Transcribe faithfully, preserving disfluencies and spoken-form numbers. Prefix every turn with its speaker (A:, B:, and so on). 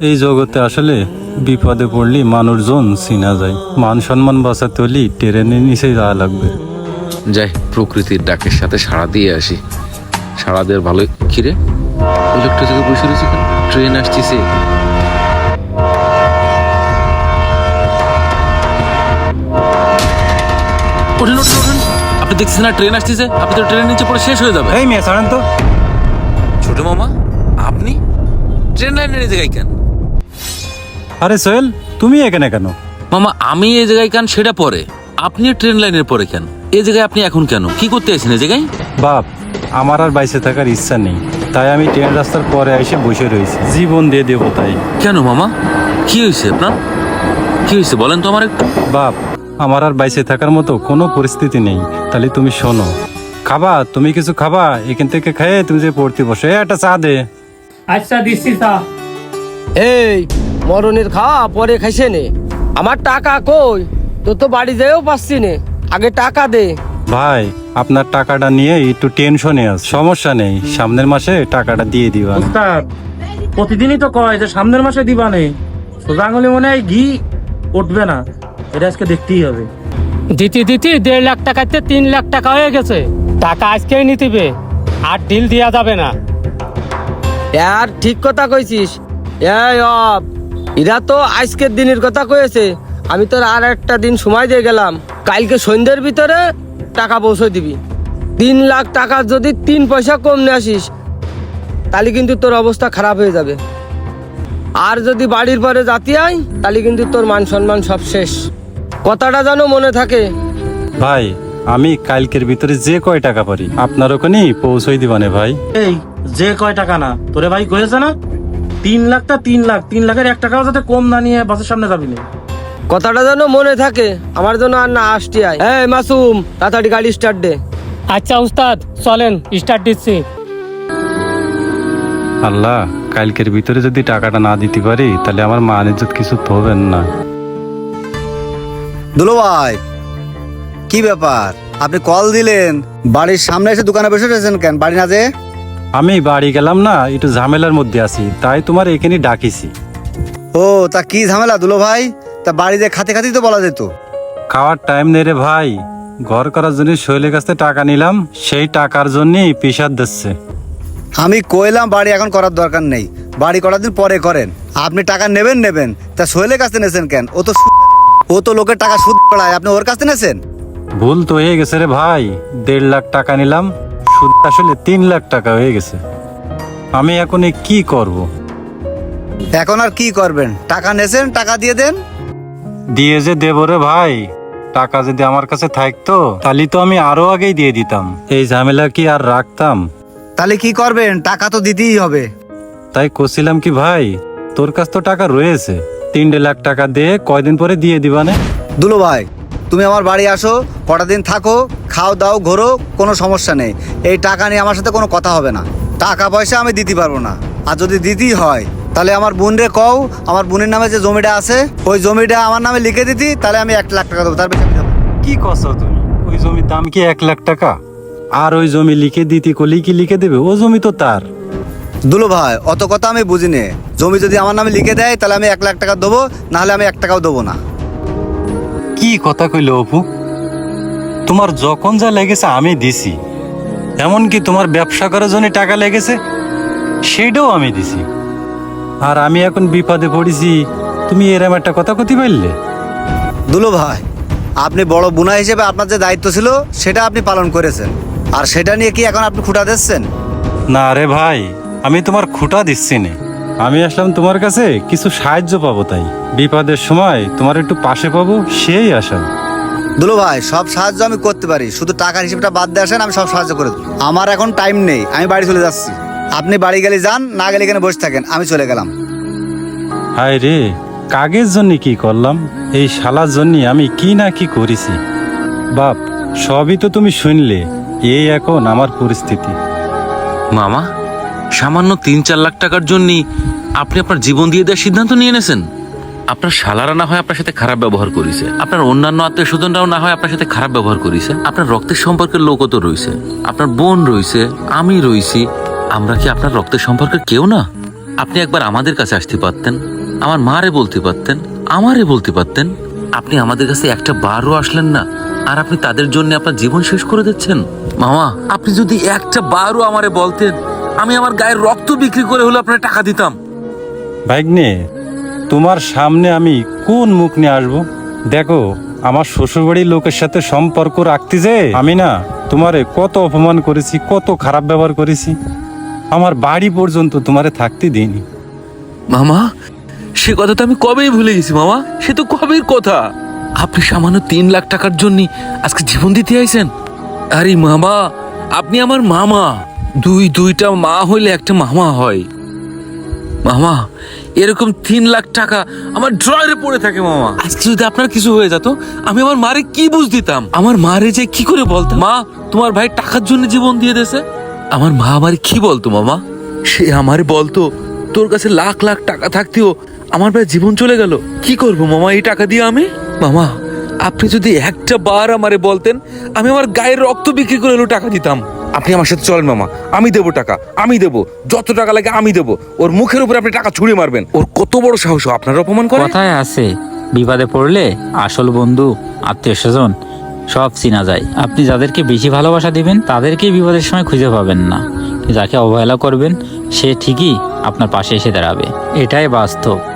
A: এই জগতে আসলে বিপদে পড়লে মানুষজন চিনা যায়। মান সম্মান বাঁচাতে হলে ট্রেনের নিচে যাওয়া লাগবে।
B: যাই প্রকৃতির ডাকের সাথে সাড়া দিয়ে আসি। সাড়া দেওয়ার ভালো খিরে ইলেকট্রিক থেকে বসে রয়েছে কেন? ট্রেন আসতেছে। ওঠেন ওঠেন ওঠেন, আপনি দেখছেন না ট্রেন আসতেছে? আপনি তো ট্রেনের নিচে পড়ে শেষ হয়ে যাবে।
A: এই মেয়ে ছাড়েন তো।
B: ছোট মামা, আপনি ট্রেন লাইনের এই জায়গায় কেন?
A: আরে সোহেল, তুমি এখানে কেন?
B: মামা আমি এই জায়গায় কেন সেটা পরে, আপনি ট্রেন লাইনের পরে কেন? এই জায়গায় আপনি এখন কেন? কি করতে আছেন এই জায়গায়?
A: বাপ, আমার আর বাইসে থাকার ইচ্ছা নেই, তাই আমি ট্রেন রাস্তার পরে এসে বসে রয়েছি। জীবন দিয়ে দেবো তাই।
B: কেন মামা, কি হয়েছে আপনার? কি হয়েছে বলেন তো আমার একটু।
A: বাপ, আমার আর বাইসে থাকার মতো কোনো পরিস্থিতি নেই। তাহলে তুমি শোনো, খাবা? তুমি কিছু খাবা? এখান থেকে খেয়ে তুমি যে পড়তে বসে একটা চা দে।
C: আচ্ছা দিচ্ছি তা।
D: এই মরণের খাওয়া পরে খাইছে নে, আমার টাকা কই? তোর তো বাড়ি যেও পাচ্ছি নে, আগে টাকা দে।
A: ভাই, আপনার টাকাটা নিয়ে একটু টেনশনে আছে। সমস্যা নেই, সামনের মাসে টাকাটা দিয়ে দিবা।
C: উস্তাদ প্রতিদিনই তো কয় যে সামনের মাসে দিবা নেই, সোজা আঙুলে মনে হয় ঘি উঠবে না। এটা আজকে দেখতেই হবে।
E: দিতে দিতে দেড় লাখ টাকাতে তিন লাখ টাকা হয়ে গেছে। টাকা আজকেই নিতিবে, আর ডিল দেওয়া যাবে না।
D: আর ঠিক কথা কইছিস। এই অব, এরা তো আজকের দিনের কথা কয়েছে। আমি তোর আর একটা দিন সময় দিয়ে গেলাম, কালকে সন্ধ্যের ভিতরে টাকা পৌঁছে দিবি। তিন লাখ টাকা যদি তিন পয়সা কম নিয়ে আসিস, তাহলে কিন্তু তোর অবস্থা খারাপ হয়ে যাবে। আর যদি বাড়ির পরে জাতি আয়, তাহলে কিন্তু তোর মান সম্মান সব শেষ। কথাটা যেন মনে থাকে।
A: ভাই, আমি কালকের ভিতরে যে কয় টাকা পারি আপনার ওখানেই পৌঁছই দিবানে ভাই।
C: এই যে কয় টাকা না তোরে ভাই কয়েছে না, তিন লাখটা তিন লাখ তিন লাখের এক টাকাও যাতে কম না নিয়ে বাসের সামনে যাবি না।
D: কথাটা যেন মনে থাকে, আমার জন্য আর না আসতে আয়। এই মাসুম, তাড়াতাড়ি গাড়ি স্টার্ট দে।
E: আচ্ছা উস্তাদ, চলেন স্টার্ট দিচ্ছি।
A: আল্লাহ, কালকের ভিতরে যদি টাকাটা না দিতে পারি তাহলে আমার মান ইজ্জত কিছু তো হবেন না।
F: দুলো ভাই, কি ব্যাপার? আপনি কল দিলেন, বাড়ির সামনে এসে দোকানে বসে রয়েছেন কেন? বাড়ি না যে?
A: আমি বাড়ি গেলাম না, একটু ঝামেলার মধ্যে আছি, তাই তোমার এখানে ডাকিছি।
F: ও, তা কি ঝামেলা দুলো ভাই? তা বাড়িতে খাতে খাতেই তো বলা যেত।
A: খাওয়ার টাইম নেই রে ভাই। ঘর করার জন্য শৈলের কাছ থেকে টাকা নিলাম, সেই টাকার জন্যই পেশার দিচ্ছে।
F: আমি কইলাম বাড়ি এখন করার দরকার নেই, বাড়ি করার দিন পরে করেন। আপনি টাকা নেবেন নেবেন, তা সোহেলের কাছে নেছেন কেন? ও তো সু- ও তো লোকের টাকা সুদ পড়ায়, আপনি ওর কাছে নেছেন।
A: ভুল তো হয়ে গেছে রে ভাই। দেড় লাখ টাকা নিলাম, সুদ আসলে তিন লাখ টাকা হয়ে গেছে। আমি এখন এ কি করব?
F: এখন আর কি করবেন? টাকা নেছেন, টাকা দিয়ে দেন।
A: দিয়ে যে দেব রে ভাই, টাকা যদি আমার কাছে থাকতো তাহলে তো আমি আরো আগেই দিয়ে দিতাম। এই ঝামেলা কি আর রাখতাম?
F: তাহলে কি করবেন? টাকা তো দিতেই হবে।
A: তাই করছিলাম কি ভাই, তোর কাছ তো টাকা রয়েছে, তিন লাখ টাকা দিয়ে কয়দিন পরে দিয়ে দিবানে।
F: দুলো ভাই, তুমি আমার বাড়ি আসো, কটা দিন থাকো, খাও দাও ঘোরো, কোনো সমস্যা নেই। এই টাকা নিয়ে আমার সাথে কোনো কথা হবে না। টাকা পয়সা আমি দিতে পারবো না। আর যদি দিতেই হয় তাহলে আমার বোন রে কও, আমার বোনের নামে যে জমিটা আছে ওই জমিটা আমার নামে লিখে দিতি, তাহলে আমি এক লাখ টাকা দেবো, তার বেশি আমি দেবো না।
A: কি কছো তুমি? ওই জমির দাম কি এক লাখ টাকা? আর ওই জমি লিখে দিতে কলি কি লিখে দেবে? ও জমি তো তার।
F: দুলো ভাই, অত কথা আমি বুঝি নে। জমি যদি আমার নামে লিখে দেয় তাহলে আমি এক লাখ টাকা দেবো, নাহলে আমি এক টাকাও দেবো না।
A: কি কথা কইলে অপু? তোমার যখন যা লেগেছে আমি দিছি, এমনকি তোমার ব্যবসা করার জন্য টাকা লেগেছে সেটাও আমি দিছি। আর আমি এখন বিপদে পড়েছি, তুমি এরম একটা কথা কতি পারলে?
F: দুলো ভাই, আপনি বড় বুনা হিসেবে আপনার যে দায়িত্ব ছিল সেটা আপনি পালন করেছেন, আর সেটা নিয়ে কি এখন আপনি খুঁটা দিচ্ছেন?
A: না রে ভাই, আমি তোমার খুঁটা দিচ্ছি না। আমি আসলাম তোমার কাছে কিছু সাহায্য পাবো, তাই বিপদের সময় তোমার একটু পাশে পাবো সেই আশা।
F: দুলো ভাই, সব সাহায্য আমি করতে পারি, শুধু টাকার হিসেবটা বাদ দিয়ে আসেন, আমি সব সাহায্য করে দেবো। আমার এখন টাইম নেই, আমি বাড়ি চলে যাচ্ছি। আপনি বাড়ি গেলে যান, না গেলে এখানে বসে থাকেন, আমি চলে গেলাম।
A: হায় রে, কাগের জন্য কি করলাম? এই শালার জন্য আমি কি না কি করেছি। বাপ, সবই তো তুমি শুনলে। এই এখন আমার পরিস্থিতি।
B: মামা, সামান্য তিন চার লাখ টাকার জন্য আপনি আপনার জীবন দিয়ে দেওয়ার সিদ্ধান্ত নিয়ে এনেছেন। আপনার শালারা না হয় আপনার সাথে খারাপ ব্যবহার করেছে, আপনার অন্যান্য আত্মীয় স্বজনরাও না হয় আপনার সাথে খারাপ ব্যবহার করেছে, আপনার রক্তের সম্পর্কের লোকও তো রয়েছে, আপনার বোন রয়েছে, আমি রয়েছি। আমরা কি আপনার রক্তের সম্পর্কের কেউ না? আপনি একবার আমাদের কাছে আসতে পারতেন, আমার মারে বলতে পারতেন, আমারে বলতে পারতেন। আপনি আমাদের কাছে একটা বারও আসলেন না, আর আপনি তাদের জন্য আপনার জীবন শেষ করে দিচ্ছেন। মামা, আপনি যদি একটা বারও আমারে বলতেন, আমি আমার গায়ের রক্ত বিক্রি করে হলে আপনার টাকা দিতাম।
A: ভাগ্নে, তোমার সামনে আমি কোন মুখ নিয়ে আসবো? দেখো, আমার শ্বশুরবাড়ির লোকের সাথে সম্পর্ক রাখতে যে আমি না তোমারে কত অপমান করেছি, কত খারাপ ব্যবহার করেছি। আমার বাড়ি পর্যন্ত তোমারে থাকতে দিইনি।
B: মামা, সে কথা তো আমি কবেই ভুলে গেছি মামা, সে তো কবের কথা। আপনি সামান্য তিন লাখ টাকার জন্য আজকে জীবন দিতে আইছেন। আরে মামা, আপনি আমার মামা। দুই দুইটা মা হইলে একটা মামা হয়। মামা, এরকম তিন লাখ টাকা আমার ড্রয়ারে পড়ে থাকে মামা। আজকে যদি আপনার কিছু হয়ে যেত, আমি আমার মারে কি বুঝ দিতাম? আমার মারে যে কি করে বলতাম, মা তোমার ভাই টাকার জন্য জীবন দিয়ে দিয়েছে? আমার মা আমার কি বলতো মামা? সে আমার বলতো, তোর কাছে লাখ লাখ টাকা থাকতেও আমার ভাই জীবন চলে গেল, কি করব মামা এই টাকা দিয়ে আমি? মামা, আপনি যদি একটা বার আমারে বলতেন, আমি আমার গায়ের রক্ত বিক্রি করে হলেও টাকা দিতাম।
G: আপনি আমার সাথে চলেন মামা, আমি দেবো টাকা, আমি দেবো, যত টাকা লাগে আমি দেবো। ওর মুখের উপরে আপনি টাকা ছুঁড়ে মারবেন? ওর কত বড় সাহস আপনার অপমান করে?
H: কথায় আছে, বিপদে পড়লে আসল বন্ধু, আত্মীয় স্বজন সব চিনা যায়। আপনি যাদেরকে বেশি ভালোবাসা দিবেন তাদেরকেই বিপদের সময় খুঁজে পাবেন না। যাকে অবহেলা করবেন সে ঠিকই আপনার পাশে এসে দাঁড়াবে। এটাই বাস্তব।